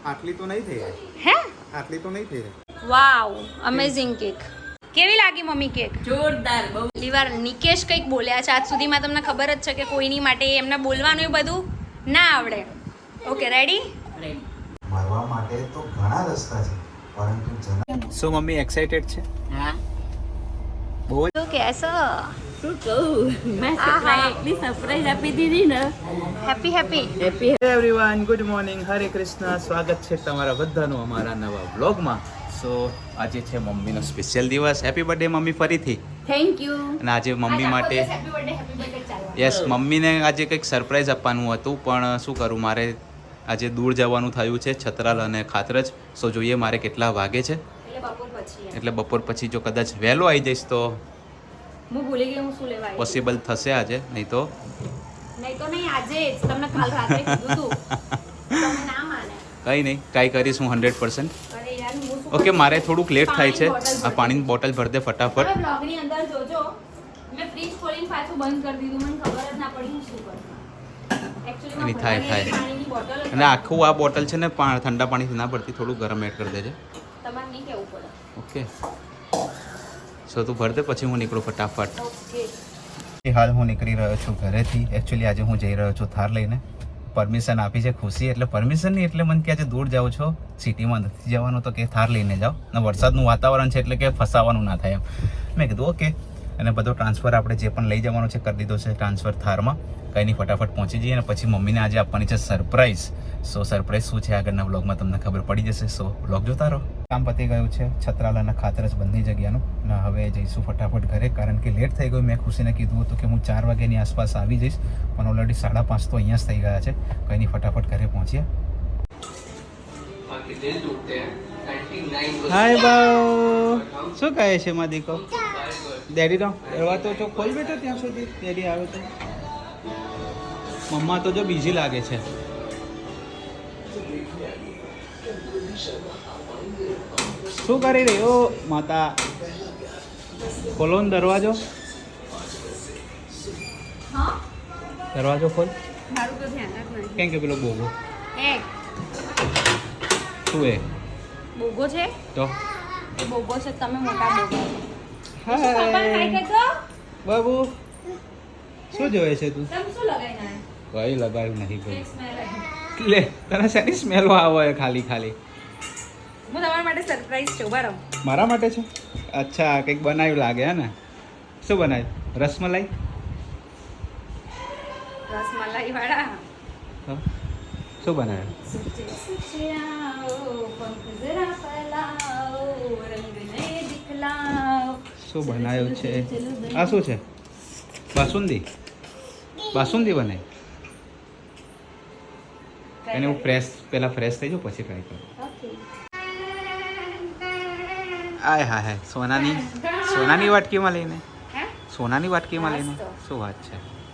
આટલી તો નહીં થઈ હે આટલી તો નહીં થઈ વાવ અમેઝિંગ કેક કેવી લાગી મમ્મી કેક જોરદાર બહુ પહેલી વાર નિકેશ કંઈક બોલ્યા છે આજ સુધીમાં તમને ખબર જ છે કે કોઈની માટે એમને બોલવાનું એ બધું ના આવડે ઓકે રેડી મારવા માટે તો ઘણા રસ્તા છે પરંતુ શું મમ્મી એક્સાઇટેડ છે હા બહુ તો કેસો શું કહું મેં એટલી સરપ્રાઈઝ આપી દીધી ને happy happy happy everyone good morning Hare Krishna સ્વાગત છે તમારા બધાનું અમારા નવા વ્લોગમાં સો આજે છે મમ્મીનો સ્પેશિયલ દિવસ હેપી બર્થડે મમ્મી ફરીથી થેન્ક યુ અને આજે મમ્મી માટે યસ મમ્મીને આજે કંઈક સરપ્રાઈઝ આપવાનું હતું પણ શું કરું મારે આજે દૂર જવાનું થયું છે છતરાલ અને ખાતરજ સો જોઈએ મારે કેટલા વાગે છે એટલે બપોર પછી જો કદાચ વહેલો આવી જઈશ તો હું ભૂલી ગઈ હું શું લેવા આવી પોસિબલ થશે આજે નહીં તો નહીં આજે જ તમને કાલ રાતે કીધું તું તમે ના માને કંઈ નહીં કાંઈ કરીશ હું 100% અરે યાર હું શું ઓકે મારે થોડુંક લેટ થાય છે આ પાણીની બોટલ ભર દે ફટાફટ હવે બ્લોગની અંદર જોજો મેં ફ્રીજ ખોલીને પાછું બંધ કરી દીધું મને ખબર જ ના પડી હું શું કરું એની થાય અને આખું આ બોટલ છે ને ઠંડા પાણીથી ના પડતી થોડું ગરમ એડ કરી દેજે તમારે નહીં કહેવું પડે ઓકે સો તું ભર દે પછી હું નીકળું ફટાફટ ઓકે હાલ હું નીકળી રહ્યો છું ઘરેથી એકચ્યુઅલી આજે હું જઈ રહ્યો છું થાર લઈને પરમિશન આપી છે ખુશી એટલે પરમિશન નહીં એટલે મને કે આજે દૂર જાઉં છો સિટીમાં નથી જવાનું તો કે થાર લઈને જાઓ ને વરસાદનું વાતાવરણ છે એટલે કે ફસાવાનું ના થાય એમ મેં કીધું ઓકે અને બધો ટ્રાન્સફર આપણે જે પણ લઈ જવાનો છે કરી દીધો છે ટ્રાન્સફર થારમાં કંઈ નહીં ફટાફટ પહોંચી જઈએ અને પછી મમ્મીને આજે આપવાની છે સરપ્રાઈઝ સો સરપ્રાઈઝ શું છે આગળના વ્લોગમાં તમને ખબર પડી જશે સો વ્લોગ જોતા રહો કામ પતી ગયું છે છતરાલ અને ખાતરજ બંને જગ્યાનું અને હવે જઈશું ફટાફટ ઘરે કારણ કે લેટ થઈ ગયું મેં ખુશીને કીધું હતું કે હું 4 વાગ્યાની આસપાસ આવી જઈશ પણ ઓલરેડી 5:30 તો અહીંયા જ થઈ ગયા છે કંઈ નહીં ફટાફટ ઘરે પહોંચ્યા હાય બાઉ શું કહે છે માં દીકો ડેડી નો દરવાજો તો ખોલ બેટો ત્યાં સુધી ડેડી આવે તો મમ્મા તો જો બીજી લાગે છે શું કરી રહી ઓ માતા ખોલો ને દરવાજો હા દરવાજો ખોલ મારું તો ધ્યાન જ નહીં કેમ કે પેલો બોગો એક શું એ બોગો છે તો એ બોગો છે તમે મોટા બોગો હાય બાબુ શું જોવે છે તું તમે શું લગાઈને કઈ લગાવ્યું નહીં ભાઈ આવ્યા લે તને શેની સ્મેલો આવે ખાલી ખાલી હું તમારા માટે સરપ્રાઈઝ છું બરાબર મારા માટે છે અચ્છા કંઈક બનાવ્યું લાગે હે ને શું બનાવ્યું રસમલાઈ રસમલાઈ વાળા હા. શું બનાવ્યું શું બનાવ્યું છે આ શું છે બાસુંદી બાસુંદી બનાવી એને હું પહેલાં ફ્રેશ થઈ જાઉં પછી ટ્રાય કરું આય હા હા સોનાની વાટકીમાં લઈને સોનાની વાટકીમાં લઈને શું વાત છે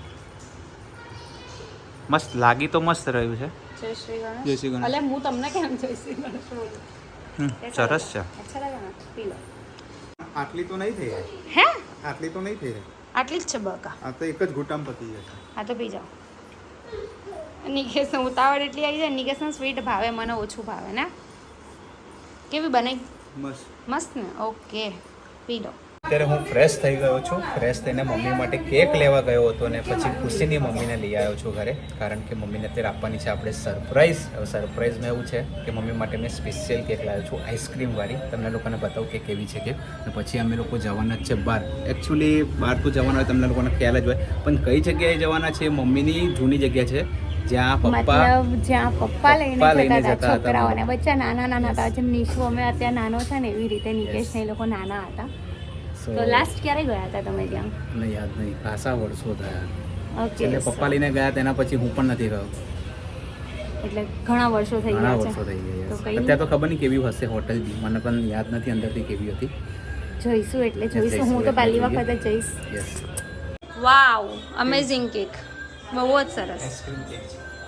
મસ્ત લાગી તો મસ્ત રહ્યું છે જય શ્રી ગણેશ જય શ્રી ગણેશ અલે હું તમને કેમ જય શ્રી ગણેશ બોલું સરસ છે અચ્છા લાગે ને પી લો આટલી તો નહીં થઈ હે આટલી તો નહીં થઈ આટલી જ છે બકા આ તો એક જ ઘૂંટામ પતી જશે હા તો પી જાઓ નિકેશન ઉતાવળ એટલી આવી જાય નિકેશન સ્વીટ ભાવે મને ઓછું ભાવે ને કેવી બનાવી મસ્ત મસ્ત ને ઓકે પી લો અત્યારે હું ફ્રેશ થઈ ગયો છું ફ્રેશ થઈને મમ્મી માટે કેક લેવા ગયો હતો ને પછી ખુશીની મમ્મીને લઈ આવ્યો છું ઘરે કારણ કે મમ્મીને અત્યારે આપવાની છે આપણે સરપ્રાઈઝ હવે સરપ્રાઈઝમાં એવું છે કે મમ્મી માટે મેં સ્પેશિયલ કેક લાવ્યો છું આઈસ્ક્રીમવાળી તમને લોકોને બતાવું કે કેવી છે કેક અને પછી અમે લોકો જવાના જ છે બહાર એકચ્યુઅલી બહાર તો જવાના હોય તમને લોકોને ખ્યાલ જ હોય પણ કઈ જગ્યાએ જવાના છે મમ્મીની જૂની જગ્યા છે જ્યાં પપ્પા લઈને જતા હતા છોકરાઓને બચ્ચા નાના હતા જેમ નિશુ અમે અત્યારે નાનો છે ને એવી રીતે નિકેશ ને એ લોકો નાના હતા તો લાસ્ટ ક્યારે ગયા હતા તમે ત્યાં મને યાદ નહીં ખાસા વર્ષો થયા ઓકે એટલે પપ્પા લઈને ગયા તેના પછી હું પણ નથી ગયો એટલે ઘણા વર્ષો થઈ ઘણા ગયા વર્ષો છે થઈ ગયા તો yes. કઈ અત્યારે તો ખબર નહીં કેવી હશે હોટલ બી મને પણ યાદ નથી અંદરથી કેવી હતી જોઈશું એટલે જોઈશું હું તો એટલે પહેલી જોઈએ. વખત જ જઈશ યસ વાવ અમેઝિંગ કેક બહુ જ સરસ આઈસ્ક્રીમ કેક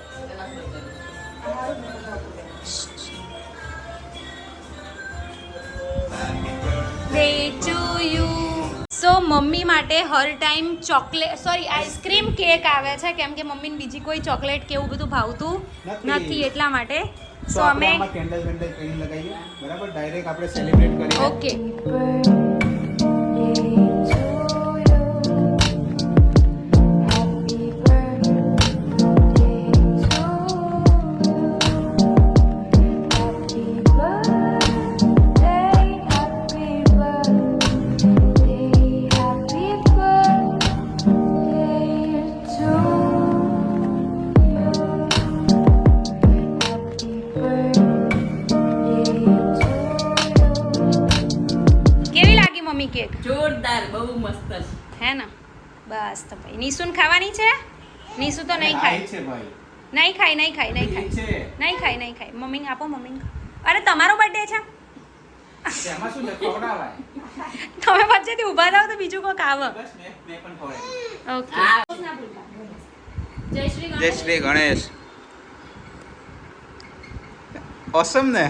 સો મમ્મી માટે હર ટાઈમ ચોકલેટ આઈસ્ક્રીમ કેક આવે છે કેમ કે મમ્મીને બીજી કોઈ ચોકલેટ કે એવું બધું ભાવતું નથી એટલા માટે સો અમે કેન્ડલ વેન્ડલ કઈ લગાવીએ બરાબર ડાયરેક્ટ આપણે સેલિબ્રેટ કરીએ ઓકે કેવી લાગી મમ્મી કેક જોરદાર બહુ મસ્ત છે. હે ને બસ તો ભાઈ નિશુન ખાવાની છે નિશુ તો નહીં ખાય છે ભાઈ નહીં ખાય નહીં ખાય નહીં ખાય છે નહીં ખાય નહીં ખાય મમ્મીને આપો મમ્મીને અરે તમારો બર્થડે છે તેમાં શું ખવડાવાય તમે વચ્ચેથી ઊભા થાવ તો બીજું કોઈક આવે બસ મેં પણ ખવડાવી ઓકે આ જય શ્રી જય શ્રી ગણેશ ઓસમ ને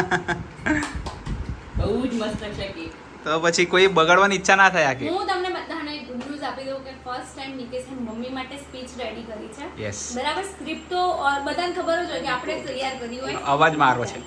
બહુ જ મસ્ત છે કેક. તો પછી કોઈ બગાડવાની ઈચ્છા ના થાય આ કે હું તમને બધાને એક ગુડ ન્યૂઝ આપી દઉં કે ફર્સ્ટ ટાઈમ નિકેશે મમ્મી માટે સ્પીચ રેડી કરી છે યસ બરાબર સ્ક્રિપ્ટ તો બધાને ખબર જ હોય કે આપણે જ તૈયાર કરી હોય અવાજ મારો છે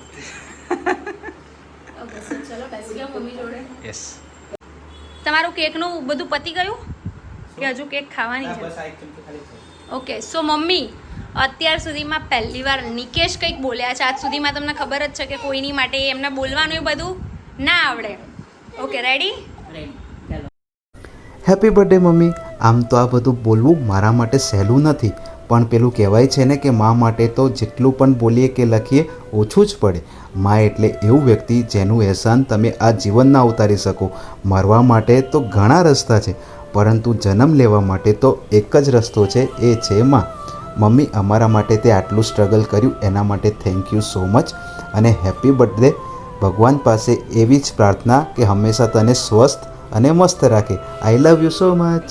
ઓકે સો ચલો બેસી જાઓ મમ્મી જોડે યસ તમારું કેકનું બધું પતી ગયું કે હજુ કેક ખાવાની છે બસ આ એક ચમચી ખાલી છે ઓકે સો મમ્મી અત્યાર સુધીમાં પહેલી વાર નિકેશ કંઈક બોલ્યા છે આજ સુધીમાં તમને ખબર જ છે કે કોઈની માટે એમને બોલવાનું એ બધું ના આવડે ઓકે રેડી રેડી ચાલો. હેપી બર્થડે મમ્મી. આમ તો આ બધું બોલવું મારા માટે સહેલું નથી, પણ પેલું કહેવાય છે ને કે મા માટે તો જેટલું પણ બોલીએ કે લખીએ ઓછું જ પડે. મા એટલે એવું વ્યક્તિ જેનું અહેસાન તમે આ જીવનના ઉતારી શકો. મરવા માટે તો ઘણા રસ્તા છે, પરંતુ જન્મ લેવા માટે તો એક જ રસ્તો છે, એ છે મા. મમ્મી, અમારા માટે તે આટલું સ્ટ્રગલ કર્યું એના માટે થેન્ક યુ સો મચ, અને હેપી બર્થડે. ભગવાન પાસે એવી જ પ્રાર્થના કે હંમેશા તને સ્વસ્થ અને મસ્ત રાખે. આઈ લવ યુ સો મચ.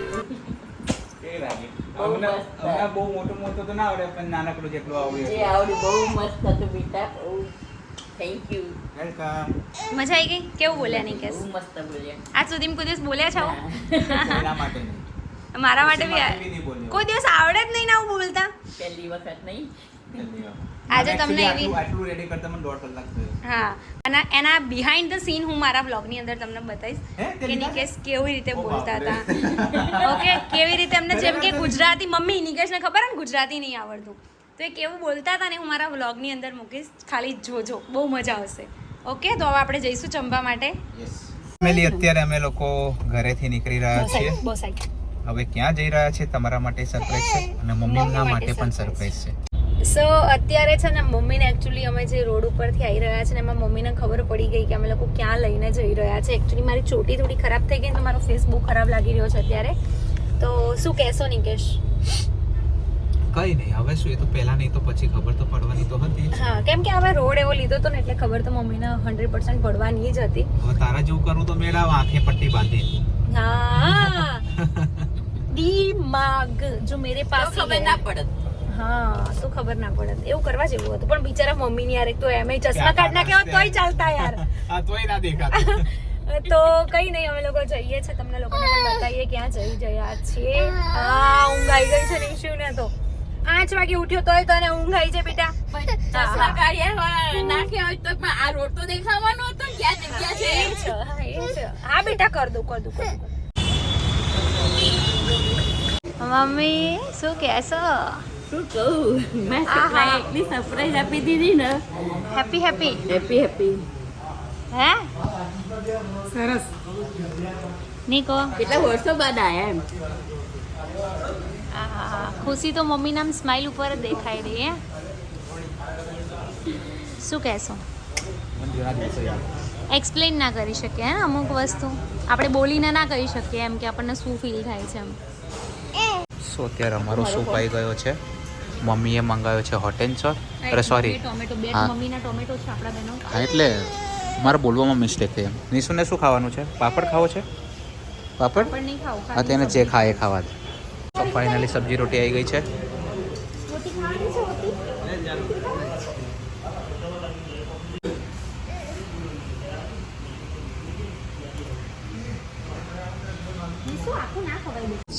એ લાગે હમણાં બહુ મોટું તો ના આવડે, પણ નાનકડું જેટલું આવડ્યું જે આવડ્યું બહુ મસ્ત હતું બેટા. બહુ થેન્ક યુ. વેલકમ. મજા આવી ગઈ કેવું બોલ્યા નિકેશ બહુ મસ્ત બોલ્યા. આજ સુધીમાં કોઈ દિવસ બોલ્યા છો કોઈના માટે નહીં. મારા માટે બી માટે બી નહીં બોલ્યો. કોઈ દિવસ આવડે જ નહીં ને આવું બોલતા પહેલી વખત નહીં. આજે તમને Actually એવી- આટલું રેડી કરતા મને 1.5 કલાક થયો. હા અને એના બિહાઇન્ડ ધ સીન હું મારા બ્લોગની અંદર તમને બતાવીશ હે? તે કે લીધા નિકેશ કેવી રીતે ઓ બોલતા બાપરે. હતા ઓકે કેવી રીતે એમને જેમ કે ગુજરાતી મમ્મી નિકેશને ખબર ને ગુજરાતી નહીં આવડતું તો એ કેવું બોલતા હતા ને હું મારા વ્લોગની અંદર મૂકીશ, ખાલી જોજો, બહુ મજા આવશે. ઓકે તો હવે આપણે જઈશું જમવા માટે. Yes. ફેમિલી, અત્યારે અમે લોકો ઘરેથી નીકળી રહ્યા છીએ. બસ આવી હવે ક્યાં જઈ રહ્યા છે તમારા માટે સરપ્રાઈઝ છે, અને મમ્મીના માટે પણ સરપ્રાઈઝ છે. સો અત્યારે છે ને મમ્મીને એકચ્યુઅલી અમે જે રોડ ઉપરથી આવી રહ્યા છે ને એમાં મમ્મીને ખબર પડી ગઈ કે અમે લોકો ક્યાં લઈને જઈ રહ્યા છે. એકચ્યુઅલી મારી ચોટી થોડી ખરાબ થઈ ગઈ તો મારો ફેસ બહુ ખરાબ લાગી રહ્યો છે અત્યારે. તો શું કહેશો નિકેશ? કઈ નહીં, હવે શું, એ તો પહેલા નહીં તો પછી ખબર તો પડવાની તો હતી જ. હા કેમ કે હવે રોડ એવો લીધો હતો ને એટલે ખબર તો મમ્મીને 100% પડવાની જ હતી. હવે તારા જેવું કરું તો મેળા આંખે પટ્ટી બાંધી. હા દિમાગ જો મેરે પાસ ખબર ના પડત. હા તો ખબર ના પડે એવું કરવા જેવું હતું, પણ બિચારા મમ્મીની યાર એક તો એમ ચશ્મા કાઢ નાખ્યા હોત તોય ચાલતા યાર. આ તોય ના દેખાતું. તો કઈ નહીં, અમે લોકો જઈએ છે, તમને લોકોને પણ બતાવીએ ક્યાં જઈ રહ્યા છીએ. હા ઊંઘ આવી ગઈ છે નિશુને તો 5 વાગે ઉઠ્યો તોય તને ઊંઘ આવી છે બેટા. ચશ્મા કાઢ્યા હોય નાખ્યા હોય તો પણ આ રોડ તો દેખાવાનો હતો ને ક્યાં જગ્યા છે. એ છે, હા, એ છે. હા બેટા કર દઉં. મમ્મી શું કહેશો? શું કહું, મેં સરપ્રાઈઝ એટલી સરપ્રાઈઝ આપી દીધી ને. Happy happy happy happy. Hey સરસ. નીકો કેટલા વર્ષો બાદ આયા એમ. આહા, ખુશી તો મમ્મીના આમ સ્માઈલ ઉપર જ દેખાઈ રહી હે. શું કહેશો? એક્સપ્લેન ના કરી શકીએ હે ને અમુક વસ્તુ આપણે બોલીને ના કહી શકીએ એમ કે આપણને શું ફીલ થાય છે એમ. સો અત્યારે અમારો સૂપ આવી ગયો છે. મમ્મીએ મંગાવ્યો છે હોટ એન્ડ સોર. અરે સોરી, ટોમેટો બે હા. મમ્મીના ટોમેટો છે આપણા બેનો. હા એટલે મારે બોલવામાં મિસ્ટેક થઈ. નિશુને શું ખાવાનું છે? પાપડ ખાવો છે? પાપડ? પણ નહીં ખાવું હા, તેને જે ખાય એ ખાવા દે. તો ફાઇનલી સબ્જી રોટી આવી ગઈ છે. રોટી ખાવાની છે રોટી.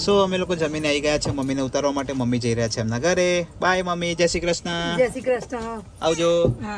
સો અમે લોકો જમીને આવી ગયા છે મમ્મીને ઉતારવા માટે. મમ્મી જઈ રહ્યા છે એમના ઘરે. બાય મમ્મી, જય શ્રી કૃષ્ણ. જય શ્રી કૃષ્ણ. આવજો. હા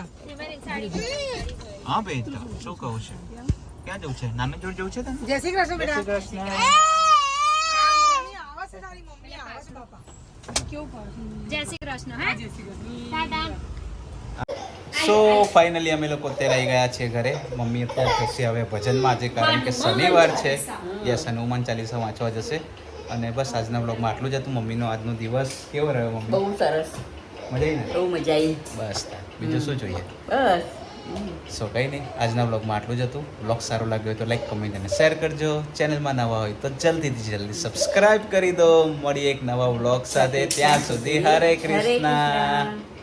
હા બેટા, શું કહું છે? ક્યાં જવું છે? નાની જોડ જવું છે તને? જય શ્રી કૃષ્ણ બેટા. જય શ્રી કૃષ્ણ. આવાજ છે તારી મમ્મી આવાજ બાપા. જય શ્રી કૃષ્ણ. હા જય Shri Krishna. Tata. So finally અમે લોકો અત્યારે આવી ગયા છીએ ઘરે. મમ્મી અત્યારે જશે હવે ભજનમાં આજે, કારણ કે શનિવાર છે. યસ, હનુમાન ચાલીસા વાંચવા જશે. અને બસ આજના બ્લોગમાં આટલું જ હતું. મમ્મીનો આજનો દિવસ કેવો રહ્યો મમ્મી? બહુ સરસ, મજા આવી ને? બહુ મજા આવી. બસ તાર. બીજું શું જોઈએ? બસ સો કંઈ નહીં, આજના બ્લોગમાં આટલું જ હતું. બ્લોગ સારો લાગ્યો હોય તો લાઈક, કમેન્ટ અને શેર કરજો. ચેનલમાં નવા હોય તો જલ્દીથી જલ્દી સબસ્ક્રાઇબ કરી દો. મળીએ એક નવા બ્લોગ સાથે. ત્યાં સુધી હરે કૃષ્ણ.